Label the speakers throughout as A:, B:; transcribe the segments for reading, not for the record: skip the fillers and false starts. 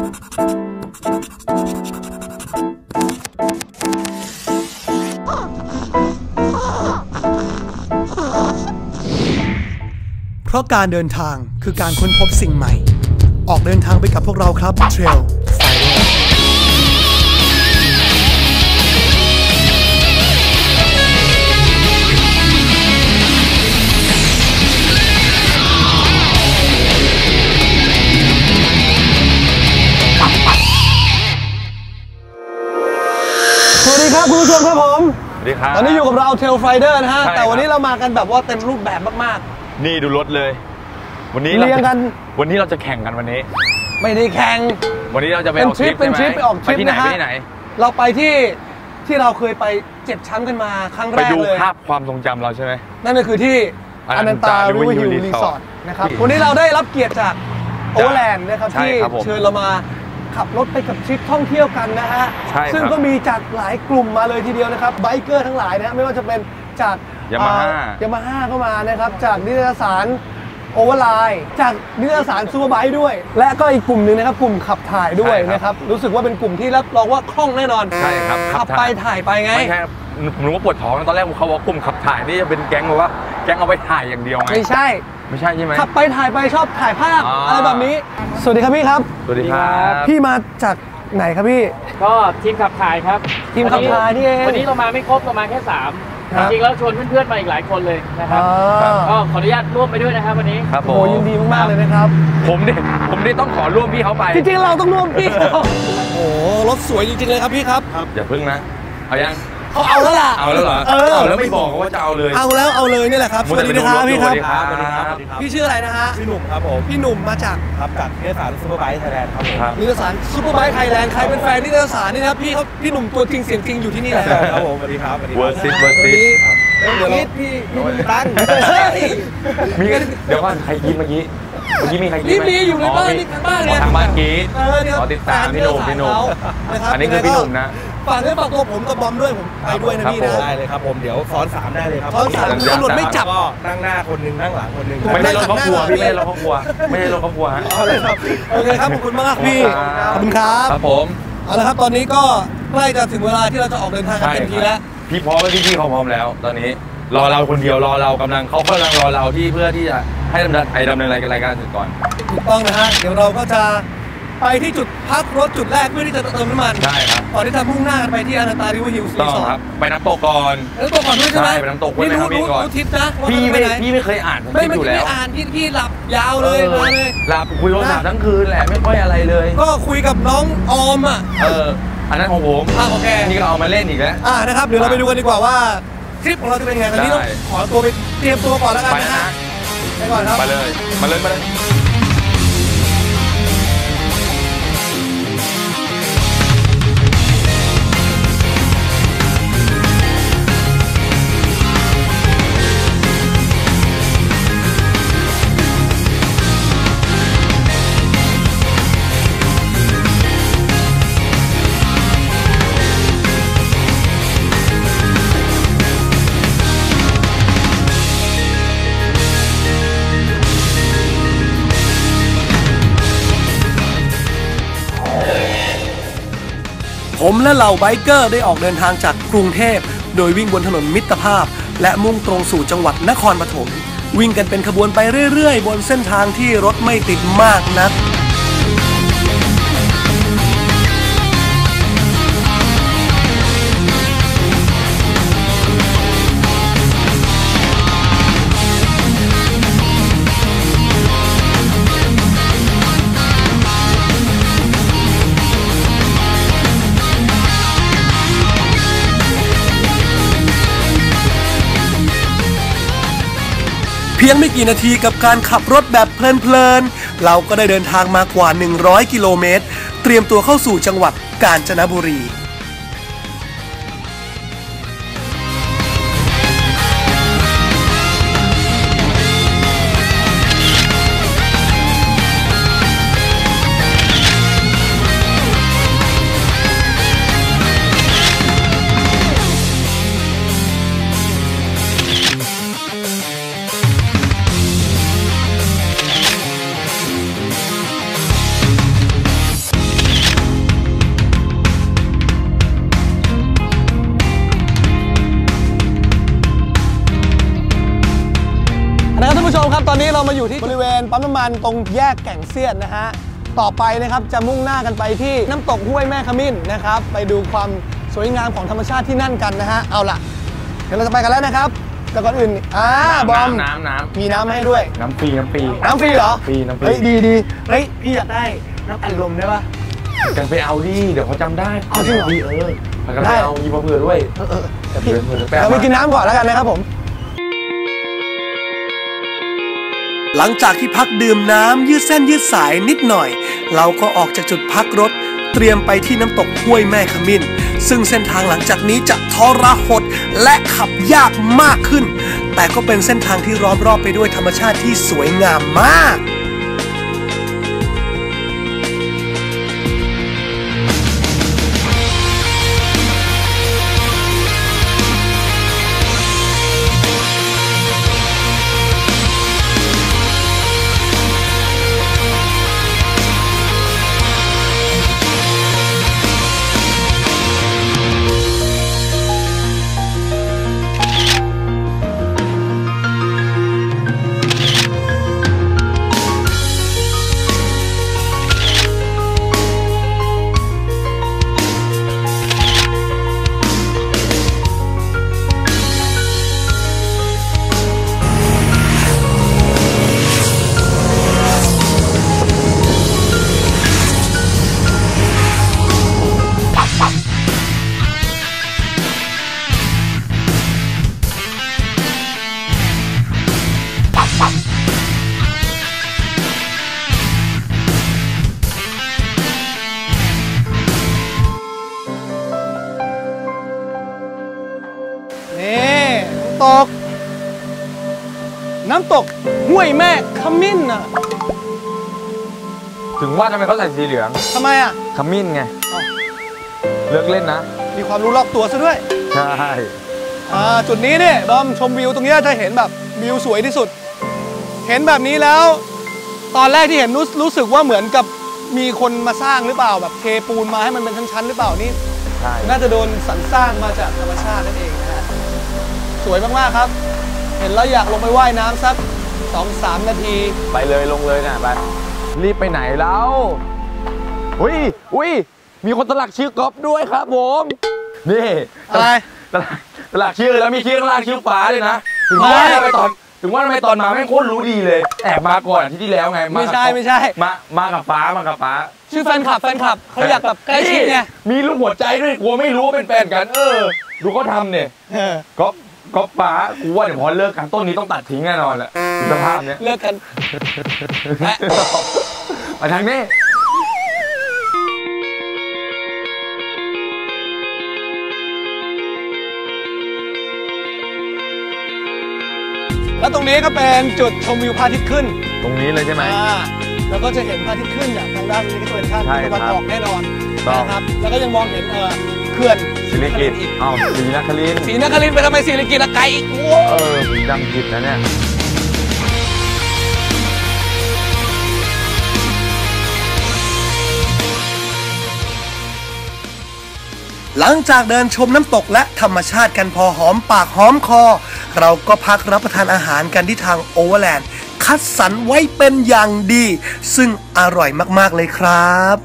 A: เพราะการเดินทางคือการค้นพบสิ่งใหม่ออกเดินทางไปกับพวกเราครับ Trail Fighter สวัสดีครับคุณผู้ชมครับผม
B: สวัสดีครับ
A: ตอนนี้อยู่กับเรา Trail Fighter นะฮะแต่วันนี้เรามากันแบบว่าเต็มรูปแบบมาก
B: ๆนี่ดูรถเลยวันนี้
A: เรียงกัน
B: วันนี้เราจะแข่งกันวันนี้
A: ไม่ได้แข่ง
B: วันนี้เราจะไปออกทริป
A: เป็นทริปไปออกทริปนะฮะ
B: ไปที่ไหน
A: เราไปที่เราเคยไปเจ็บช้ำกันมาครั้งแรกเลยไปดู
B: ภาพความทรงจำเราใช่ไหม
A: นั่นก็คือที่อนันตาริเวอร์ฮิลรีสอร์ทนะครับวันนี้เราได้รับเกียรติจากโอเวอร์แลนด์นะครับที่เชิญเรามาขับรถไปกับทริปท่องเที่ยวกันนะฮะซึ่งก็มีจากหลายกลุ่มมาเลยทีเดียวนะครับไบเกอร์ทั้งหลายนะไม่ว่าจะเป็นจาก
B: ยา
A: มาฮ่าก็มานะครับจากนิตยสารโอเวอร์ไลน์จากนิตยสารซูเปอร์ไบค์ด้วยและก็อีกกลุ่มหนึ่งนะครับกลุ่มขับถ่ายด้วยนะครับรู้สึกว่าเป็นกลุ่มที่รับรองว่าคล่องแน่นอน
B: ใช่ครับ
A: ขับไปถ่ายไปไง
B: ไม่ใช่ผมรู้ว่าปวดท้องตอนแรกเขาบอกกลุ่มขับถ่ายนี่จะเป็นแก๊งแบบว่าแก๊งเอาไปถ่ายอย่างเดียวไง
A: ไม่ใช่
B: ใช่ไหม
A: ขับไปถ่ายไปชอบถ่ายภาพอะไรแบบนี้สวัสดีครับพี่ครับ
B: สวัสดีครับ
A: พี่มาจากไหนครับพี่
C: ก็ทีมขับถ่ายครับ
A: ทีมขับถ่ายนี่เอง
C: วันนี้เรามาไม่ครบเรามาแค่3จริงๆแล้วชวนเพื่อนๆมาอีกหลายคนเลยนะครับก็ขออนุญาตร่วมไปด้วยนะครับวันนี้
B: ครับ
A: โอ้ยินดีมากๆเลยนะครับ
B: ผมนี่ต้องขอร่วมพี่เขาไป
A: จริงๆเราต้องร่วมพี่เขาโอ้รถสวยจริงๆเลยครับพี่ครับ
B: อย่าพึ่งนะเอายัง
A: เขาเอาแล้วล่ะ
B: เอาแล้วเหรอแล้วไม่บอกว่าจะเอาเลย
A: เอาแล้วเอาเลยนี่แหละครับสวัสดีนะครับพี่ครับพี่ชื่ออะไรนะฮะ
D: พี่หนุ่มครับผม
A: พี่หนุ่มมาจาก
D: นิตยสารซูเปอร์ไบค์ไทยแลนด์ครับผม
A: นิตยสารซูเปอร์ไบค์ไทยแลนด์ใครเป็นแฟนนิตยสารนี่นะครับพี่หนุ่มตัวจริงเสียงจริงอยู่ที่นี่แหละ
D: ครับผมสวัสดีครับ
B: เวอร์ซิต
A: เดี๋ยวพี่ตั้ง
B: เดี๋ยวก่อนใครยิ้มเมื่อกี้มีใคร
A: ยิ้มมีอยู่ในบ้านนี่ทางบ้านเนี่ย
B: ทางบ้านกีดขอติดตามพี่หนุ่มอันนี้คือพี่หนุ่มนะ
A: ฝากเนื้อฝากตัวผมกับบอมด้วยผมไปด้วยนะพี่นะ
D: ได้เลยครับผมเดี๋ยวซ้อน3ได้เลยครับ
A: ซ้อน3ตำรวจไม่จับ
D: ก็นั่งหน้าคนนึงนั่งหลังคนนึง
B: ไม่ได้รถครอบครัวพี่ไม่ได้รถครอบครัวไม่ได้รถครอบครัวฮะ
A: โอเคครับขอบคุณมากพี่ขอบคุณครับ
B: ครับผม
A: เอาละครับตอนนี้ก็ใกล้จะถึงเวลาที่เราจะออกเดินทางกันเต็มทีแล้ว
B: พี่พร้อมแล้วพี่เขาพร้อมแล้วตอนนี้รอเราคนเดียวรอเรากำลังรอเราที่เพื่อที่จะให้ดำเนินรายการก่อน
A: ถูกต้องนะฮะเดี๋ยวเราก็จะไปที่จุดพักรถจุดแรกเพื่อที่จะเติมน้ำมัน
B: ใช่ครับ
A: ก่อนที่จะมุ่งหน้าไปที่อนันตาริเวอร์ฮิลส์รีสอร์ท
B: ไปน้ำตกก่อน
A: ด้วยใช่ไหม
B: ไปน้ำตกไว้นะครับพี่ก่อน
A: ทิศนะ
B: พี่ไม่เคยอ่าน
A: ไม่อ่านพี่หลับยาวเลย
B: หลับคุยโทรศัพท์ทั้งคืนแหละไม่ค่อยอะไรเลย
A: ก็คุยกับน้องออมอ่ะ
B: อันนั้นของผม
A: โอเค
B: นี่ก็เอามาเล่นอีกแล้ว
A: นะครับเดี๋ยวเราไปดูกันดีกว่าว่าทริปของเราจะเป็นไงตอนนี้ต้องขอตัวไปเตรียมตัวก่อนแล้วกันนะฮะไปก่อนครับ
B: มาเลย
A: ผมและเหล่าไบเกอร์ได้ออกเดินทางจากกรุงเทพโดยวิ่งบนถนนมิตรภาพและมุ่งตรงสู่จังหวัดนครปฐมวิ่งกันเป็นขบวนไปเรื่อยๆบนเส้นทางที่รถไม่ติดมากนักเพียงไม่กี่นาทีกับการขับรถแบบเพลินๆเราก็ได้เดินทางมากว่า100กิโลเมตรเตรียมตัวเข้าสู่จังหวัดกาญจนบุรีเรามาอยู่ที่บริเวณปั๊มน้ำมันตรงแยกแก่งเซียนนะฮะต่อไปนะครับจะมุ่งหน้ากันไปที่น้ำตกห้วยแม่ขมิ้นนะครับไปดูความสวยงามของธรรมชาติที่นั่นกันนะฮะเอาล่ะเดี๋ยวเราจะไปกันแล้วนะครับแต่ก่อนอื่นบอม
B: น้ำ
A: มีน้ำให้ด้วย
B: น้ำฟรี
A: เหรอ
B: ฟรีน้ำฟรี
A: เฮ้ยดีเฮ้ยพี่อยากได้น้ำอัดลมได้ปะ
B: กันไปเอาดิเดี๋ยวเขาจำได้
A: เอาจริงเหรอ
B: ได้เอายีมาเผื่อด้วย
A: เราไปกินน้ำก่อนแล้วกันนะครับผมหลังจากที่พักดื่มน้ำยืดเส้นยืดสายนิดหน่อยเราก็ออกจากจุดพักรถเตรียมไปที่น้ำตกห้วยแม่ขมิ้นซึ่งเส้นทางหลังจากนี้จะทรหดและขับยากมากขึ้นแต่ก็เป็นเส้นทางที่ล้อมรอบไปด้วยธรรมชาติที่สวยงามมากน้ำตกห้วยแม่ขมิ้นน่ะ
B: ถึงว่าทำไมเขาใส่สีเหลือง
A: ทำไมอ่ะ
B: ขมิ้นไงเลิกเล่นนะ
A: มีความรู้รอบตัวซะด้วย
B: ใช่
A: จุดนี้เนี่ยบอมชมวิวตรงนี้จะเห็นแบบวิวสวยที่สุดเห็นแบบนี้แล้วตอนแรกที่เห็นรู้สึกว่าเหมือนกับมีคนมาสร้างหรือเปล่าแบบเทปูนมาให้มันเป็นชั้นๆหรือเปล่านี่น่าจะโดนสรรสร้างมาจากธรรมชาตินั่นเองนะฮะสวยมากๆครับเห็นแล้วอยากลงไปว่ายน้ำสัก 2-3 นาที
B: ไปเลยลงเลยนะไปรีบไปไหนแล้วอุ้ยมีคนสลักชื่อก๊อฟด้วยครับผมนี่
A: อะไร
B: สลักชื่อแล้วมีชื่อข้างล่างชื่อฟ้าเลยนะถึงว่าทำไมตอนมาไม่โคตรรู้ดีเลยแอบมาก่อนที่แล้วไง
A: ไม่ใช่
B: มากับฟ้า
A: ชื่อแฟนคลับเขาอยากแบบใกล้ชิดไง
B: มีรูปหัวใจด้วยกลัวไม่รู้ว่าเป็นแฟนกันดูเขาทำเนี่ยก็ฟ้ากูว่าเดี๋ยวพอเลิกกันต้นนี้ต้องตัดทิ้งแน่นอนแหละสภาพเนี้ย
A: เลิกกัน
B: ไปทางนี้
A: แล้วตรงนี้ก็เป็นจุดชมวิวพระอาทิตย์ขึ้น
B: ตรงนี้เลยใช่ไหม
A: แล้วก็จะเห็นพระอาทิตย์ขึ้นจากทางด้านนี้ก็เป็นทางตะวันออกแน่นอนนะครับแล้วก็ยังมองเห็นเขื่อน
B: ศรีกิติ์ศรีนครินทร์
A: ไปทำไมศรีกิติ์ละไกลอีก
B: ผมจำผิดนะเนี่ย
A: หลังจากเดินชมน้ำตกและธรรมชาติกันพอหอมปากหอมคอเราก็พักรับประทานอาหารกันที่ทางโอเวอร์แลนด์คัดสรรไว้เป็นอย่างดีซึ่งอร่อยมากๆเลยครับ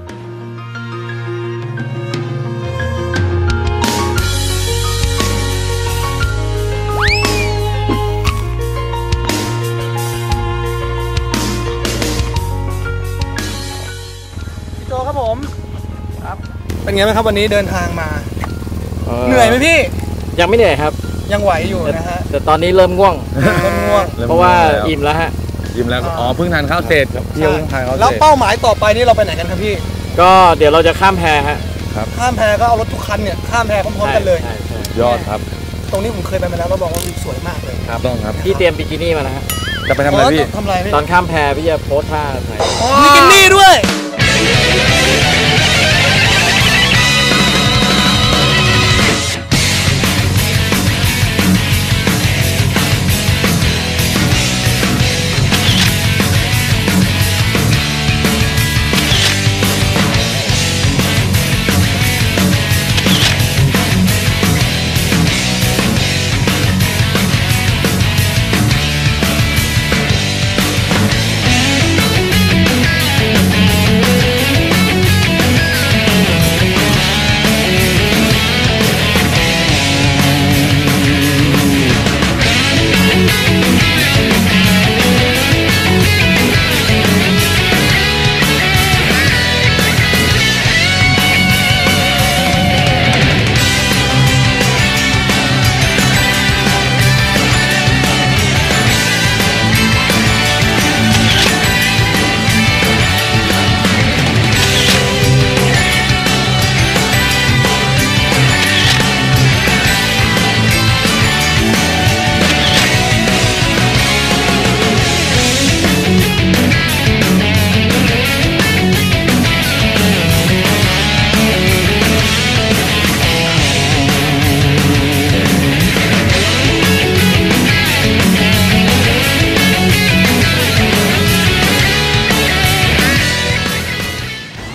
A: พี่โจครับผมครับเป็นไงบ้างครับวันนี้เดินทางมาเหนื่อยไหมพี่
C: ยังไม่เหนื่อยครับ
A: ยังไหวอยู่นะฮะ
C: แต่ตอนนี้เริ่มง่วงเพราะว่าอิ่มแล้วฮะ
B: อิ่มแล้วเพิ่งทานข้าวเสร็จเที่ยวทานข้าวเสร็จ
A: แล้วเป้าหมายต่อไปนี่เราไปไหนกันครับพี่
C: ก็เดี๋ยวเราจะข้ามแพฮะ
B: ครับ
A: ข้ามแพก็เอารถทุกคันเนี่ยข้ามแพพร้อมๆกันเลย
B: ยอดครับ
A: ตรงนี้ผมเคยไปมาแล้วบอกว่าวิวสวยมากเลย
B: ครับต้องครับ
C: พี่เตรียมบิกินี่มาแล้วฮะ
B: จะไปทำอะไรพี่
C: ตอนข้ามแพพี่จะโพสท่าถ่าย
A: บิกินี่ด้วย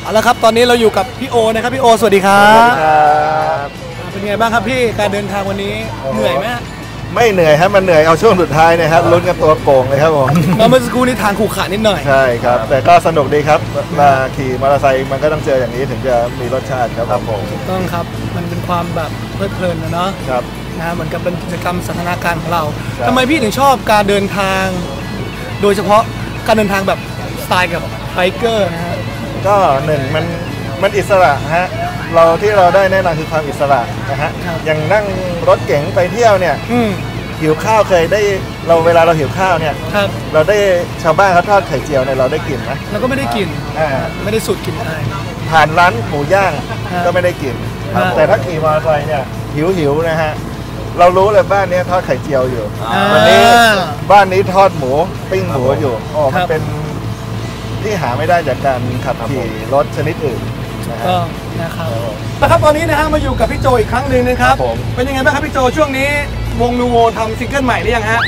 A: เอาละครับตอนนี้เราอยู่กับพี่โอนะครับพี่โอสวัสดีครับ เป็นไงบ้างครับพี่การเดินทางวันนี้เหนื่อยไหม
E: ไม่เหนื่อยครับมันเหนื่อยเอาช่วงสุดท้ายนะครับลุ้นกันตัวโก่งเลยครับผม
A: เมื่อสักครู่นี้ทางขู่ขานิดหน่อย
E: ใช่ครับแต่ก็สนุกดีครับมาขี่มอเตอร์ไซค์มันก็ต้องเจออย่างนี้ถึงจะมีรสชาติครับผม
A: ต้องครับมันเป็นความแบบเพลิดเพลินนะเนาะ
E: ครับ
A: นะเหมือนกับเป็นกิจกรรมสันทนาการของเรา
E: ครับ
A: ทำไมพี่ถึงชอบการเดินทาง โดยเฉพาะการเดินทางแบบสไตล์กับไบเกอร์นะฮะ
E: ก็หนึ่งมันอิสระฮะที่เราได้แน่นอนคือความอิสระนะฮะอย่างนั่งรถเก๋งไปเที่ยวเนี่ยหิวข้าวเคยได้เวลาเราหิวข้าวเนี่ย
A: ครับ
E: เราได้ชาวบ้านเขาทอดไข่เจียวเนี่ยเราได้กินนะ
A: แล้วก็ไม่ได้กิน ไม่ได้สูตรกินอะไร
E: ผ่านร้านหมูย่างก็ไม่ได้กิน
A: ครับ
E: แต่ถ้าขี่มอเตอร์ไซค์เนี่ยหิวนะฮะเรารู้เลยบ้านนี้ทอดไข่เจียวอยู่ วันนี้บ้านนี้ทอดหมูปิ้งหมูอยู่อ๋อมันเป็นที่หาไม่ได้จากการขับขี่รถชนิดอื่นนะฮะ
A: ก็นะครับนะครับตอนนี้นะฮะมาอยู่กับพี่โจอีกครั้งหนึ่งนะครับเป็นยังไงบ้างครับพี่โจช่วงนี้วงนูโวทำซิงเกิลใหม่หรือยังฮะ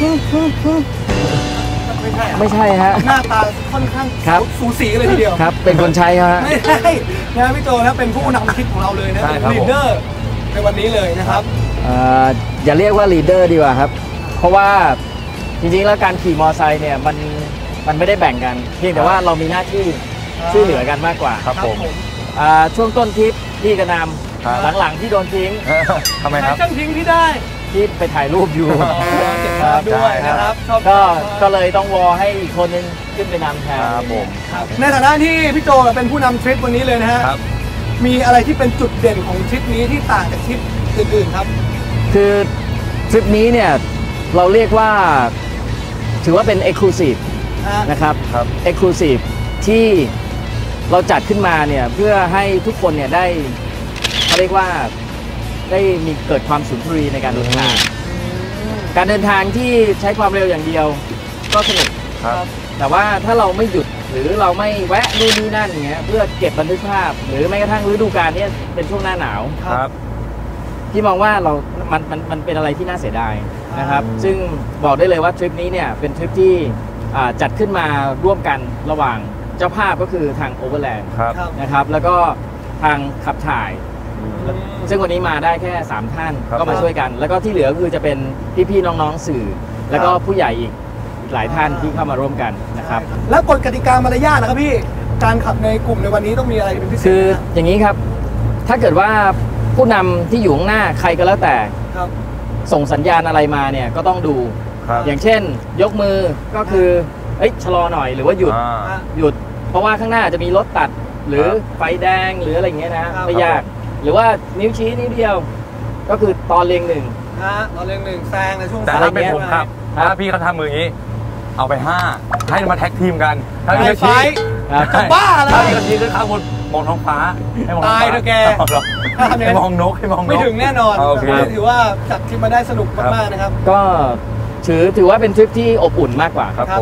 A: ไม่ใช่ฮะหน้าตาค่อนข้างสูสีเลยทีเดียว
F: ครับเป็นคนใช้ฮะ
A: ไม่ใช่นะพี่โจนะเป็นผู้นำคลิปของเราเลยนะเป็นลีดเดอร์ในวันนี้เลยนะครับ
F: อย่าเรียกว่าลีดเดอร์ดีกว่าครับเพราะว่าจริงๆแล้วการขี่มอเตอร์ไซค์เนี่ยมันไม่ได้แบ่งกันเพียงแต่ว่าเรามีหน้าที่ช่วยเหลือกันมากกว่า
B: ครับผม
F: ช่วงต้นทริปพี่กระนำหลังๆที่โดนทิ้ง
B: ทำไมครับ
A: ช่างทิ้งที่ได้
F: ที่ไปถ่ายรูปอยู่
A: เก็บภาพด้วยนะครับชอบ
F: ก็เลยต้องวอให้อีกคนนึงขึ้นไปนำแทน
B: ครับผม
A: ในฐานะที่พี่โจเป็นผู้นำทริปวันนี้เลยนะฮะ
B: ครับ
A: มีอะไรที่เป็นจุดเด่นของทริปนี้ที่ต่างจากทริปอื่นๆครับ
F: คือทริปนี้เนี่ยเราเรียกว่าถือว่าเป็น Exclusive นะครับ Exclusive ที่เราจัดขึ้นมาเนี่ยเพื่อให้ทุกคนเนี่ยได้เขาเรียกว่าได้มีเกิดความสุนทรีในการเดินทางการเดินทางที่ใช้ความเร็วอย่างเดียวก็สนุก
B: ครับ
F: แต่ว่าถ้าเราไม่หยุดหรือเราไม่แวะนู่นนี่นั่นอย่างเงี้ยเพื่อเก็บบันทึกภาพ หรือแม้กระทั่งฤดูกาลเนี่ยเป็นช่วงหน้าหนาว
B: ครับ
F: ที่มองว่ามันเป็นอะไรที่น่าเสียดายนะครับซึ่งบอกได้เลยว่าทริปนี้เนี่ยเป็นทริปที่จัดขึ้นมาร่วมกันระหว่างเจ้าภาพก็คือทาง Overland
B: ครับ
F: นะครับแล้วก็ทางขับถ่าย ซึ่งวันนี้มาได้แค่3ท่าน
B: ครับ
F: ก็มาช่วยกัน แล้วก็ที่เหลือคือจะเป็นพี่ๆน้องๆสื่อ แล้วก็ผู้ใหญ่อีกหลายท่านที่เข้ามาร่วมกันนะครับ
A: แล้วกฎกติกามารยาทนะครับพี่การขับในกลุ่มในวันนี้ต้องมีอะไรเป็นพิเศษ
F: คืออย่างนี้ครับถ้าเกิดว่าผู้นำที่อยู่ข้างหน้าใครก็แล้วแต่
A: ครับ
F: ส่งสัญญาณอะไรมาเนี่ยก็ต้องดู
B: ครับ
F: อย่างเช่น ยกมือก็คือชะลอหน่อยหรือว่าหยุด หยุด เพราะว่าข้างหน้าจะมีรถตัดหรือไฟแดงหรืออะไรอย่างเงี้ยนะไม่ยาก หรือว่านิ้วชี้นิ้วเดียวก็คือตอนเรียงหนึ่ง
A: ตอนเรียงหนึ่งแซงในช่วง
B: แต่ถ้าเป็นผมครับถ้าพี่เขาทำมืออย่างนี้ เอาไป 5 ให้มาแท็กทีมกัน ถ้าพี่เขาชี้
A: จะบ้าเลย
B: ถ้าพี่เขาชี้ขึ้นข้างบนมองท้องฟ้าให้มองท้องฟ้า
A: ตายเถอะแก ถ้าทำอย่าง
B: ให้
A: นั้น
B: มองนกให้มองนก
A: ไม่ถึงแน่นอน
B: โอเค
A: ถือว่าจัดทริปมาได้สนุกมากๆนะครับ
F: ก็ถือว่าเป็นทริปที่อบอุ่นมากกว่า
B: ครับผม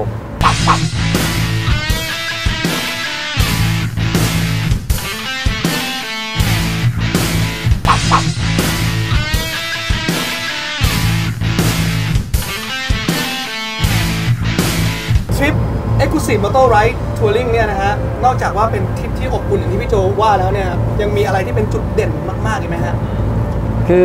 A: ทริป Exclusive Motor Ride Touring เนี่ยนะฮะนอกจากว่าเป็นทริปที่อบอุ่นอย่างที่พี่โจว่าแล้วเนี่ยยังมีอะไรที่เป็นจุดเด่นมากๆอีกไหมฮะ
F: คือ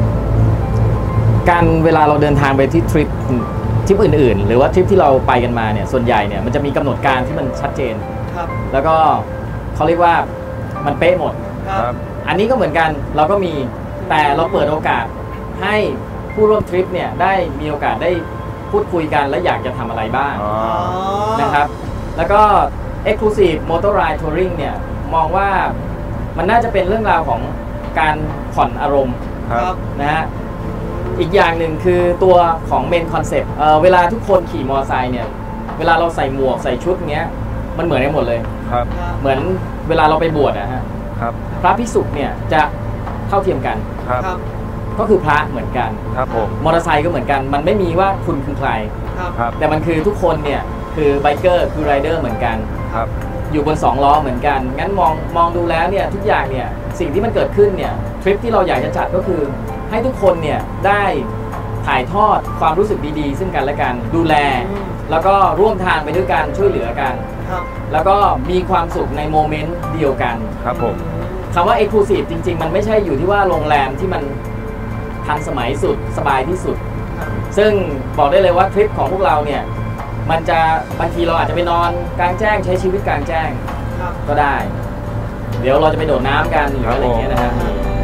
F: การเวลาเราเดินทางไปที่ทริปอื่นๆ หรือว่าทริปที่เราไปกันมาเนี่ยส่วนใหญ่เนี่ยมันจะมีกำหนดการที่มันชัดเจน
A: ครับ
F: แล้วก็เขาเรียกว่ามันเป๊ะหมด
A: ครับ
F: อันนี้ก็เหมือนกันเราก็มีแต่เราเปิดโอกาสให้ผู้ร่วมทริปเนี่ยได้มีโอกาสได้พูดคุยกันและอยากจะทำอะไรบ้างนะครับแล้วก็ Exclusive Motor Ride Touring เนี่ยมองว่ามันน่าจะเป็นเรื่องราวของการผ่อนอารมณ์
B: ครับ
F: นะฮะอีกอย่างหนึ่งคือตัวของเมนคอนเซปต์เวลาทุกคนขี่มอเตอร์ไซค์เนี่ยเวลาเราใส่หมวกใส่ชุดเงี้ยมันเหมือนกันหมดเลย
B: ครับ
F: เหมือนเวลาเราไปบวชนะฮะ
B: ครับ
F: พระภิกษุเนี่ยจะเท่าเทียมกัน
B: ครับ
A: ครับ
F: ก็คือพระเหมือนกัน
B: ครับผม
F: มอเตอร์ไซค์ก็เหมือนกันมันไม่มีว่าคุณคือใคร
A: ครับ
B: ครับ
F: แต่มันคือทุกคนเนี่ยคือไบเกอร์คือไรเดอร์เหมือนกัน
B: ครับ
F: อยู่บน2ล้อเหมือนกันงั้นมองดูแล้วเนี่ยทุกอย่างเนี่ยสิ่งที่มันเกิดขึ้นเนี่ยทริปที่เราอยากจะจัดก็คือให้ทุกคนเนี่ยได้ถ่ายทอดความรู้สึกดีๆซึ่งกันและกันดูแล แล้วก็ร่วมทางไปด้วยกันช่วยเหลือกันแล้วก็มีความสุขในโมเมนต์เดียวกัน
B: ครับผม
F: คำว่า Exclusive จริงๆมันไม่ใช่อยู่ที่ว่าโรงแรมที่มันทันสมัยสุดสบายที่สุดซึ่งบอกได้เลยว่าทริปของพวกเราเนี่ยมันจะบางทีเราอาจจะไปนอนกลางแจ้งใช้ชีวิตกลางแจ้งก็ได้เดี๋ยวเราจะไปโดดน้ำกันหรืออะไรอย่างเงี้ยนะครับ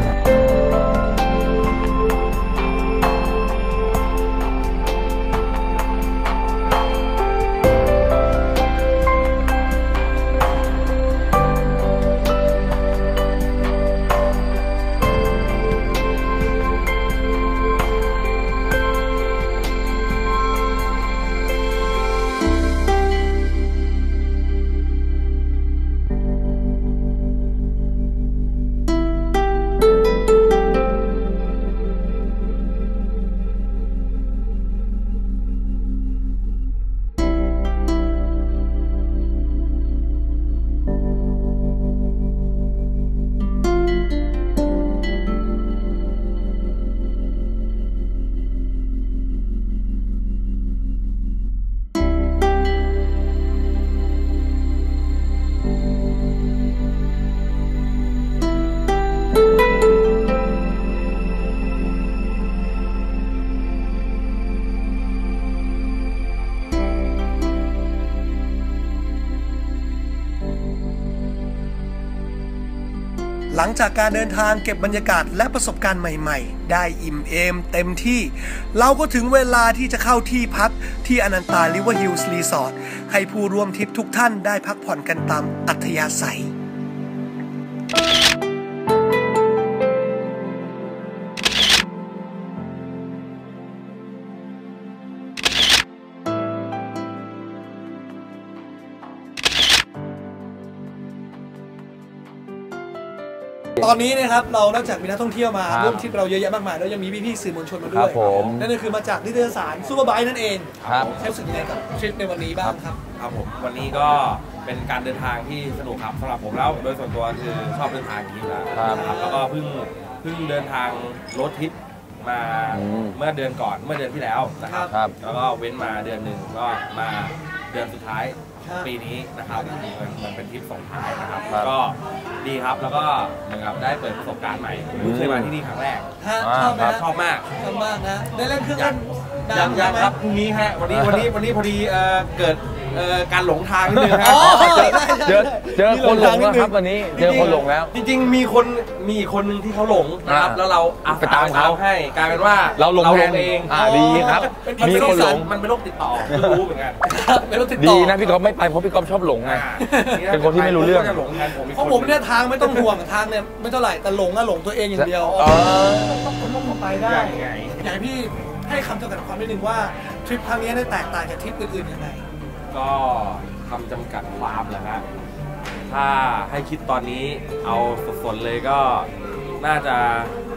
A: หลังจากการเดินทางเก็บบรรยากาศและประสบการณ์ใหม่ๆได้อิ่มเอมเต็มที่เราก็ถึงเวลาที่จะเข้าที่พักที่อนันตาริเวอร์ฮิลส์รีสอร์ทให้ผู้ร่วมทริปทุกท่านได้พักผ่อนกันตามอัธยาศัยตอนนี้นะครับเรานอกจากมีนักท่องเที่ยวมาร่วมทริปเราเยอะแยะมากมายแล้วยังมีพี่ๆสื่อมวลชนมาด้วยนั่นก็คือมาจากนิตยสารซูเปอร์ไบค์นั่นเองรู้สึกยังไงกับทริปในวันนี้บ้างครับ
D: ครับผมวันนี้ก็เป็นการเดินทางที่สนุกครับสำหรับผมแล้วโดยส่วนตัวคือชอบเดินทางอย่างนี้แล้วครับแล้วก็เพิ่งเดินทางรถทริปมาเมื่อเดือนก่อนเมื่อเดือนที่แล้วนะครับแล้วก็เว้นมาเดือนหนึ่งก็มาเดือนสุดท้ายปีนี้นะครับมันเป็นทริปส่งท้ายนะครับก็ดีครับแล้วก็เหมือนกับได้เปิดประสบการณ์ใหม่ผมเคยมาที่นี่ครั้งแรกชอบมาก
A: นะได้เล่นเครื่องเล่น
D: ยังครับพรุ่งนี้ฮะวันนี้พอดีเกิดการหลงทางนิดนึงครับ
B: เจอคนหลงแล้วครับวันนี้เจอคนหลงแล้ว
D: จริงๆมีคนหนึ่งที่เขาหลงนะครับแล้วเรา
B: ไปตามเขา
D: ให้กลายเป็นว่า
B: เราหลงเองดีครับมีคนหลง
D: มันเป็นโรคติดต่อรู้เหมือนกัน
A: เป็นโรคติดต่อ
B: ดีนะพี่ก๊อฟไม่ไปเพราะพี่ก๊อฟชอบหลงไงเป็นคนที่ไม่รู้เรื่อง
A: เพราะผมเนี่ยทางไม่ต้องห่วงทางเนี่ยไม่เท่าไหร่แต่หลงตัวเองอย่างเดียวต้องไปได้อยากให้พี่ให้คำจำกัดความนิดนึงว่าทริปครั้งนี้ได้แตกต่างจากทริปอื่นๆยังไง
D: ก็คำจำกัดความแหละครับถ้าให้คิดตอนนี้เอาสดๆเลยก็น่าจะ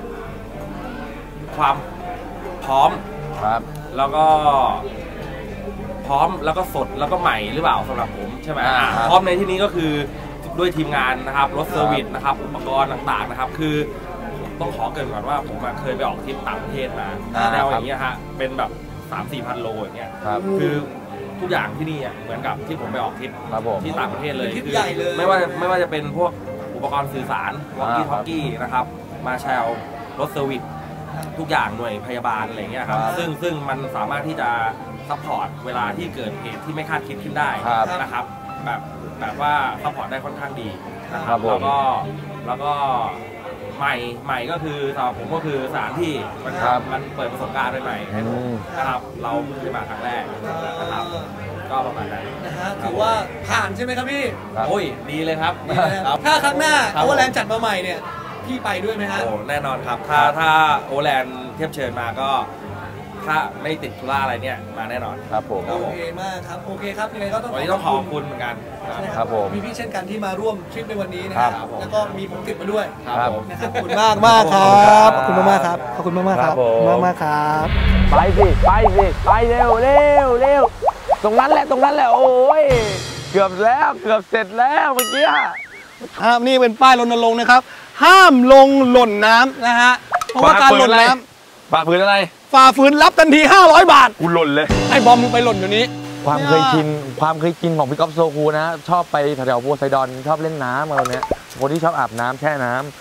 D: ความพร้อม
B: ครับ
D: แล้วก็พร้อมแล้วก็สดแล้วก็ใหม่หรือเปล่าสำหรับผมใช่ไหมพร้อมในที่นี้ก็คือด้วยทีมงานนะครับรถเซอร์วิสนะครับอุปกรณ์ต่างๆนะครับคือต้องขอเกริ่นก่อนว่าผมเคยไปออกทริปต่างประเทศมาแนวอย่างเงี้ยฮะเป็นแบบ 3-4 พันโลอย่างเงี้ยคือทุกอย่างที่นี่เหมือนกับที่ผมไปออกทริปที่ต่างประเทศเลย
A: คือไม่
D: ว่าจะเป็นพวกอุปกรณ์สื่อสารวอลกี้ทอลกี้นะครับมาแชลรถเซอร์วิสทุกอย่างหน่วยพยาบาลอะไรเงี้ยครับซึ่งมันสามารถที่จะซัพพอร์ตเวลาที่เกิดเหตุที่ไม่คาดคิดขึ้นได้นะครับแบบว่าซัพพอร์ตได้ค่อนข้างดีนะครับแล้วก็ใหม่ก็คือสำหรับผมก็คือสถานที่มันเปิดประสบการณ์ใหม่ๆให้ผมนะครับเราเพิ่งมาครั้งแรกนะครับก็ประมาณนั้น
A: นะฮะถือว่าผ่านใช่ไหมครับพี่
D: โอ้ยดีเลยครับ
A: ถ้าครั้งหน้าโอเวอร์แลนด์จัดมาใหม่เนี่ยพี่ไปด้วยไหมฮะ
D: โอ้แน่นอนครับถ้าโอเวอร์แลนด์เทียบเชิญมาก็ถ้าไม่ติดธุระอะไรเนี่ยมาแน่นอน
B: ครับผม
A: โอเคมากครับโอเคครับยังไงก็ต้อง
D: วันนี้ต้องขอบคุณเหมือนกัน
B: ครับผม
A: มีพี่เช่นกันที่มาร่วมทริปในวันนี้นะครับแล้วก็มีผมติดมาด้วย
B: ครับ
A: ขอบคุณมากครับขอบคุณมากครับขอบคุณมากครับมากครับ
B: ไปสิไปเร็วตรงนั้นแหละโอ้ยเกือบเสร็จแล้วเมื่อกี้
A: นี่เป็นป้ายรณรงค์นะครับห้ามลงหล่นน้ำนะฮะเพราะว่าการหล่นน้ำ
B: ฝ่าฝืนอะไร
A: ฝ่าฝืนรับทันที500 บาท
B: กูหล่นเลย
A: ไอ้บอมมึงไปหล่นอยู่นี้
B: ความเคยชินของพี่ก๊อฟโซคูนะชอบไปแถวๆโพไซดอนชอบเล่นน้ำอะไรเนี้ยคนที่ชอบอาบน้ำแช่น้ำ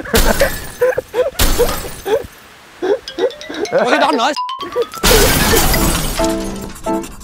A: โพไซดอนเหรอ